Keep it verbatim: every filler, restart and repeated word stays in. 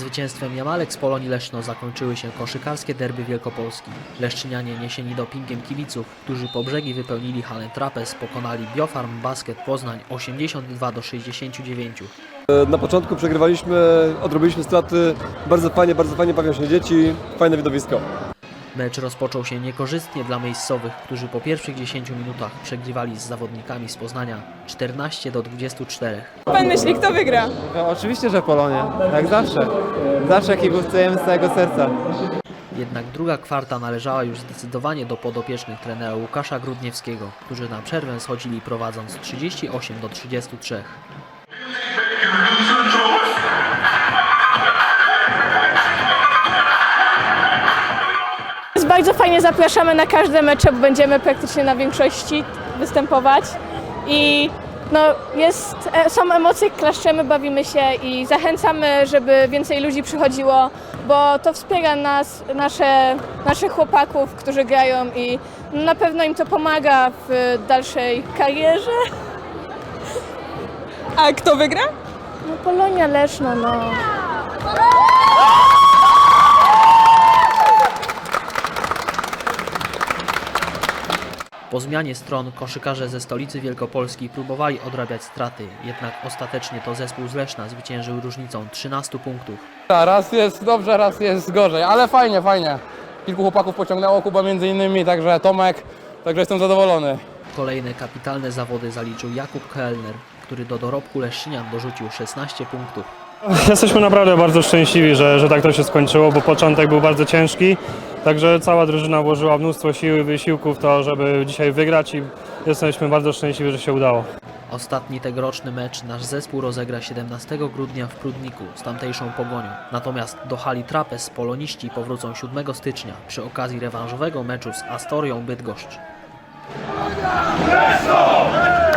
Zwycięstwem Jamalek z Polonii Leszno zakończyły się koszykarskie derby Wielkopolski. Leszczynianie niesieni dopingiem kibiców, którzy po brzegi wypełnili halę Trapez, pokonali Biofarm Basket Poznań osiemdziesiąt dwa do sześćdziesięciu dziewięciu. Na początku przegrywaliśmy, odrobiliśmy straty, bardzo fajnie, bardzo fajnie bawią się dzieci, fajne widowisko. Mecz rozpoczął się niekorzystnie dla miejscowych, którzy po pierwszych dziesięciu minutach przegrywali z zawodnikami z Poznania czternaście do dwudziestu czterech. Pan myśli, kto wygra? No, oczywiście, że Polonia, jak zawsze. Zawsze kibicujemy z całego serca. Jednak druga kwarta należała już zdecydowanie do podopiecznych trenera Łukasza Grudniewskiego, którzy na przerwę schodzili prowadząc trzydzieści osiem do trzydziestu trzech. Bardzo fajnie, zapraszamy na każde mecze, bo będziemy praktycznie na większości występować i no, jest, są emocje, klaszczemy, bawimy się i zachęcamy, żeby więcej ludzi przychodziło, bo to wspiera nas, nasze, naszych chłopaków, którzy grają i na pewno im to pomaga w dalszej karierze. A kto wygra? No, Polonia Leszno, no. Po zmianie stron koszykarze ze stolicy Wielkopolski próbowali odrabiać straty, jednak ostatecznie to zespół z Leszna zwyciężył różnicą trzynastu punktów. Raz jest dobrze, raz jest gorzej, ale fajnie, fajnie. Kilku chłopaków pociągnęło, Kuba między innymi, także Tomek, także jestem zadowolony. Kolejne kapitalne zawody zaliczył Jakub Kellner, który do dorobku Leszczynian dorzucił szesnaście punktów. Jesteśmy naprawdę bardzo szczęśliwi, że, że tak to się skończyło, bo początek był bardzo ciężki. Także cała drużyna włożyła mnóstwo siły i wysiłku w to, żeby dzisiaj wygrać i jesteśmy bardzo szczęśliwi, że się udało. Ostatni tegoroczny mecz nasz zespół rozegra siedemnastego grudnia w Prudniku z tamtejszą Pogonią. Natomiast do hali Trapez poloniści powrócą siódmego stycznia przy okazji rewanżowego meczu z Astorią Bydgoszcz.